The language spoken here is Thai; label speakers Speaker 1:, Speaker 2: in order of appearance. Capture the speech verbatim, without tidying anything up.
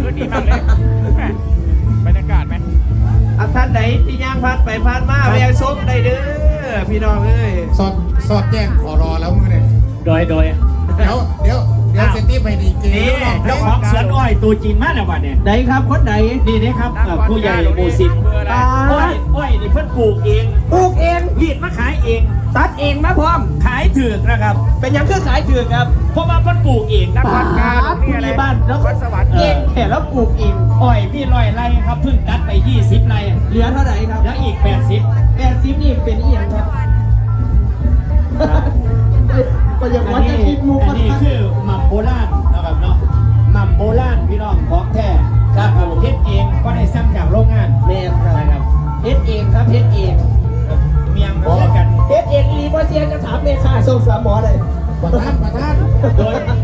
Speaker 1: นดีมากเลยบรรยากาศไหม
Speaker 2: อ่ะท่านไหนที่ย่างพัดไปพัดมาแวะส้มได้เด้อพี่น้องเอ้ย
Speaker 3: สอดสอดแจ้งขอรอแล้วมือเนี่ย
Speaker 4: โดยโดย
Speaker 3: เดี๋ยวเดี๋ยวเดี๋ยวเซนตี้ไปดีเก
Speaker 4: นี่เจ้าของสวนอ้อยตัวจริงมากเลยวันเนี่ย
Speaker 2: ไหนครับคนไหน
Speaker 4: นี่นะครับผู้ใหญ่หมู่สิบอ้อยอ้อยนี่เพิ่นปลูกเอง
Speaker 2: ปลูกเอง
Speaker 4: รีดมาขายเอง
Speaker 2: ตัดเองมาพร้อม
Speaker 4: ขายถือนะครับ
Speaker 2: เป็นยังคือขายถือครับ
Speaker 4: เพราะว่าเพิ่นปลูกเอง
Speaker 1: นักวัดการ
Speaker 2: นี่อะไรบ้านแล้วก็
Speaker 1: สวรรค์
Speaker 2: เองแค่แล้วปลูกเอง
Speaker 4: อ้อยพี่ร้อยไร่ครับเพิ่งตัดไปยี่สิบไร่
Speaker 2: เหลือเท่าไหร่ครับ
Speaker 4: แล้วอีกแปดสิบ
Speaker 2: แปดสิบนี่เป็นเอียงครับก็ยังว่าจะคิดมุก
Speaker 4: อันนี้คือหม่ำโบราณนะครับเนาะหม่ำโบราณพี่น้องของแท้ครับเฮ็ดเองก็ได้ซ้ำจากโรงงาน
Speaker 2: แม่ครับเฮ็ดเองครับเฮ็ดเอง
Speaker 4: เมียงบอกกัน
Speaker 2: เฮ็ดเองรีบอเซียนจะถามเมค่าส่งสามหมอเลย
Speaker 3: ประธานประธาน
Speaker 4: โดย